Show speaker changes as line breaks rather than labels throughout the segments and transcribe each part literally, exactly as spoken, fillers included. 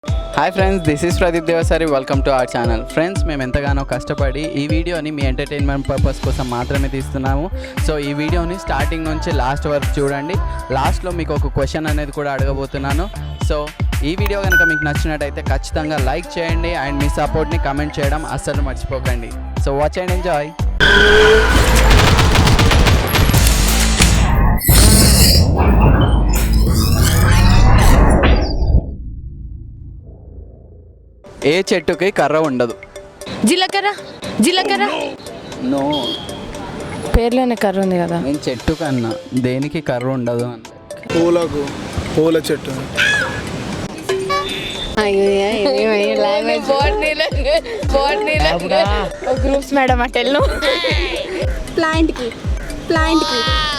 Hi friends, this is Pradeep Devasari. Welcome to our channel. Friends, మేము ఎంతగానో కష్టపడి ఈ వీడియోని మీ ఎంటర్టైన్మెంట్ పర్పస్ కోసం మాత్రమే తీస్తున్నాము. సో ఈ వీడియోని స్టార్టింగ్ నుంచి లాస్ట్ వరకు చూడండి. లాస్ట్లో మీకు ఒక క్వశ్చన్ అనేది కూడా అడగబోతున్నాను. సో ఈ వీడియో కనుక మీకు నచ్చినట్టయితే ఖచ్చితంగా లైక్ చేయండి అండ్ మీ సపోర్ట్ని కమెంట్ చేయడం అస్సలు మర్చిపోకండి. So watch and enjoy. ఏ చెట్టుకి కర్ర ఉండదు?
జీలకర్ర. జీలకర్ర
నో,
పేర్లోనే కర్ర ఉంది కదా.
నేను చెట్టు కన్నా దేనికి కర్ర ఉండదు అన్న.
పూలకు పూల చెట్టు.
గ్రూప్స్ మేడం అటెల్ను
ప్లాంట్కి ప్లాంట్కి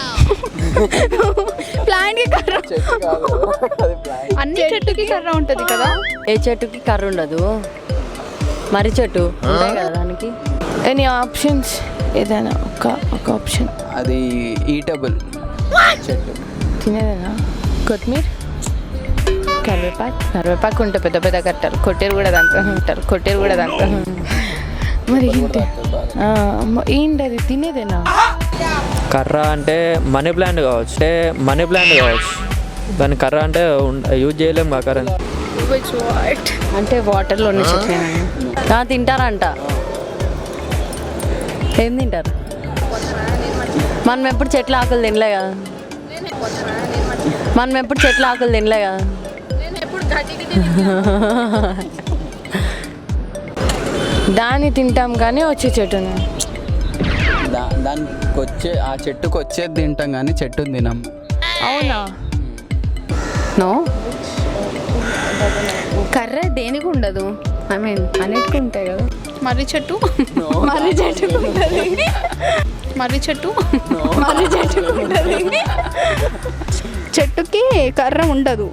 ప్లాంట్కి కర్ర. అన్ని చెట్టుకి కర్ర ఉంటుంది కదా.
ఏ చెట్టుకి కర్ర ఉండదు? మరి చెట్టు ఉంటాయి కదా దానికి.
Any options? ఏదైనా ఒక ఒక ఆప్షన్.
అది ఈటబుల్ చెట్టు.
తినేదేనా? కొత్తిమీర, కరివేపాకు. కరివేపాకు ఉంటే పెద్ద పెద్ద కట్టారు. కొట్టేరు కూడా దాంట్లో ఉంటారు. కొట్టేరు కూడా దాంట్లో. మరి ఏంటి ఏంటి అది తినేదేనా?
కర్ర అంటే మనీ ప్లాంట్ కావచ్చు. అంటే మనీ ప్లాంట్ కావచ్చు. దాని కర్ర అంటే యూజ్ చేయలేము మా కర్ర.
అంటే వాటర్లో ఉన్న చెట్లు తింటారంట. ఏం తింటారు? మనం ఎప్పుడు చెట్ల ఆకులు తినలే కదా. మనం ఎప్పుడు చెట్ల ఆకులు తినలే కదా.
దాన్ని తింటాం కానీ వచ్చే చెట్టుని.
దా దానికి వచ్చే ఆ చెట్టుకు వచ్చేది తింటాం కానీ చెట్టుని తినాం.
అవునా?
నో,
కర్ర దేనికి ఉండదు. ఐ మీన్ అన్నిటికీ ఉంటాయి కదా. మర్రి చెట్టు మర్రి చెట్టు ఉంటుంది. మర్రి చెట్టు మర్రి చెట్టు ఉంటుంది. చెట్టుకి కర్ర ఉండదు.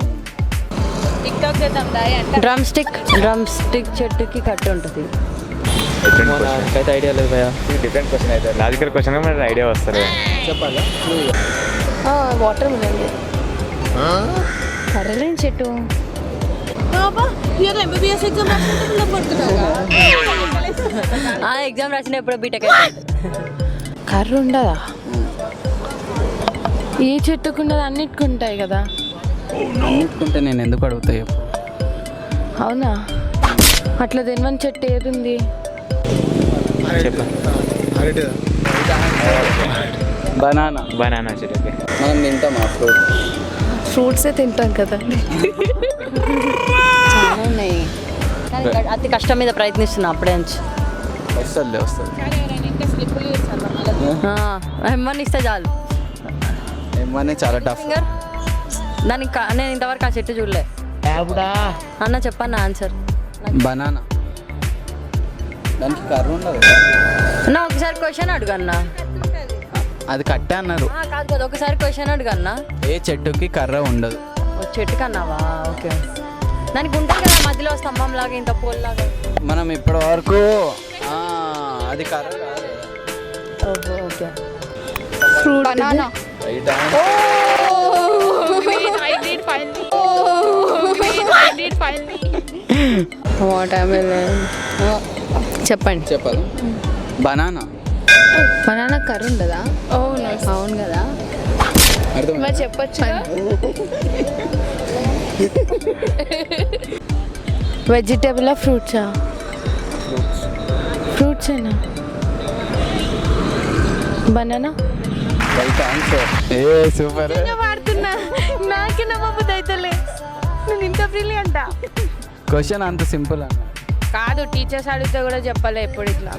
Drum stick. డ్రమ్ స్టిక్ చెట్టుకి కట్టి ఉంటుంది.
నాకైతే ఐడియా లేదు భయ్యా.
డిఫరెంట్ క్వశ్చన్ అయితే లాజికల్ క్వశ్చన్ మనకి ఐడియా వస్తుంది.
చెప్పాలా?
Water melon.
కర్రలేని చెట్టు.
ఎగ్జామ్ రాసిన ఎప్పుడో బీటెక్.
కర్ర ఉండదా? ఏ చెట్టుకు ఉండదు? అన్నిటికి ఉంటాయి కదా.
అన్నిటికుంటే నేను ఎందుకు అడుగుతా చెప్పు.
అవునా? అట్లా తినవని చెట్టు ఏది ఉంది?
అరటిదా?
బనానా.
బనానా చెట్టు.
మనం తింటాం ఆ ఫ్రూట్.
ఫ్రూట్సే తింటాం కదా.
చాలా ఉన్నాయి. అతి కష్టం మీద ప్రయత్నిస్తున్నా అప్పుడే నుంచి.
వస్తుంది వస్తుంది
ఎమ్మని ఇస్తే చాలు.
ఏమని చాలా టఫ్.
ఫింగర్ దానికి కా- నేను ఇంతవరకు ఆ చెట్టు చూడలే. అన్న చెప్పన్న ఆన్సర్.
బనానా. దానికి కర్ర ఉండదు.
అన్న ఒకసారి క్వశ్చన్ అడుగు అన్న.
అది కట్టే అన్నారు.
ఆ, కాదు కదా, ఒకసారి క్వశ్చన్ అడుగు అన్న.
ఏ చెట్టుకి కర్ర ఉండదు?
ఓ చెట్టు కన్నావా? ఓకే. దానికి ఉంటుంది కదా మధ్యలో స్తంభం లాగా ఇంత పోల్ లాగా.
మనం ఇప్పటి వరకు ఆ, అది కర్ర కాదు.
ఓహో, okay.
Fruit banana.
Right
watermelon. చెప్పండి.
చెప్పాలి. బనానా.
బనానా కర్ర ఉండదా?
అవును.
అవును కదా.
అర్థం
మరి చెప్పొచ్చు. వెజిటేబుల్ ఫ్రూట్సా? ఫ్రూట్స్ ఏనా? బనానా.
Right answer. ఏ సూపర్.
వాడుతున్నా నాకే నమ్మబుద్ధి అవుతలే. నేను ఇంత బ్రిలియంట
క్వశ్చన్ అంత సింపుల్ అన్న.
కాదు, టీచర్స్ అడిగితే కూడా చెప్పలే ఎప్పుడు ఇట్లా.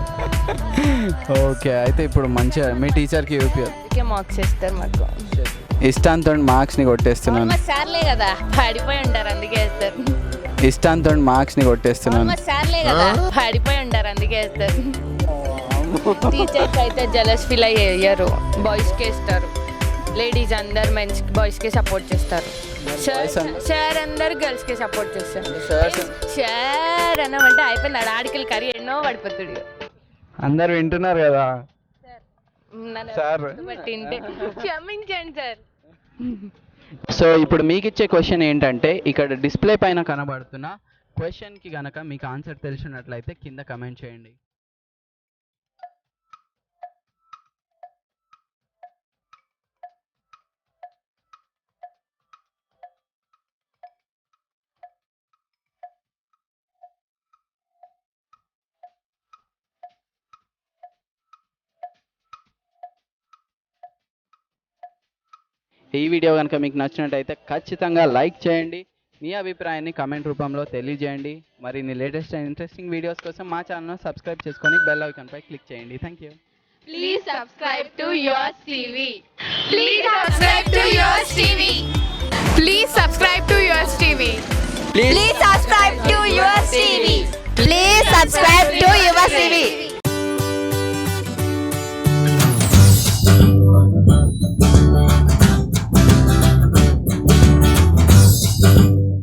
ఓకే, అయితే ఇప్పుడు మంచిగా మీ టీచర్కి యూపీ
అందుకే మార్క్స్ ఇస్తారు మాకు.
ఇష్టాంతో మార్క్స్ని కొట్టేస్తున్నాను.
సార్లే కదా పడిపోయి ఉంటారు అందుకే వేస్తారు.
ఇష్టాంతో మార్క్స్ని కొట్టేస్తున్నాను.
సార్లే కదా పడిపోయి ఉంటారు అందుకే వేస్తారు. టీచర్స్ అయితే జలస్ ఫీల్ అయ్యారు. బాయ్స్కి వేస్తారు. లేడీస్ అందరు మెన్స్ బాయ్స్కి సపోర్ట్ చేస్తారు. సార్ అందరు గర్ల్స్కి సపోర్ట్ చేస్తారు. సార్ అన్నమంటే అయిపోయింది. ఆడికల్ కర్రీ ఎన్నో పడిపోతుంది.
అందరు వింటున్నారు కదా సార్.
క్షమించండి సార్.
సో ఇప్పుడు మీకు ఇచ్చే క్వశ్చన్ ఏంటంటే ఇక్కడ డిస్ప్లే పైన కనబడుతున్న క్వశ్చన్కి కనుక మీకు ఆన్సర్ తెలిసినట్లయితే కింద కమెంట్ చేయండి. ఈ వీడియో కనుక మీకు నచ్చినట్టయితే ఖచ్చితంగా లైక్ చేయండి. మీ అభిప్రాయాన్ని కమెంట్ రూపంలో తెలియజేయండి. మరిన్ని లేటెస్ట్ అండ్ ఇంట్రెస్టింగ్ వీడియోస్ కోసం మా ఛానల్ను సబ్స్క్రైబ్ చేసుకొని బెల్ ఐకాన్పై క్లిక్ చేయండి. Thank you.
Please subscribe to Yours T V. Please subscribe to Yours T V.
Please subscribe to Yours T V.
Please subscribe to Yours T V. Please subscribe to Yours T V.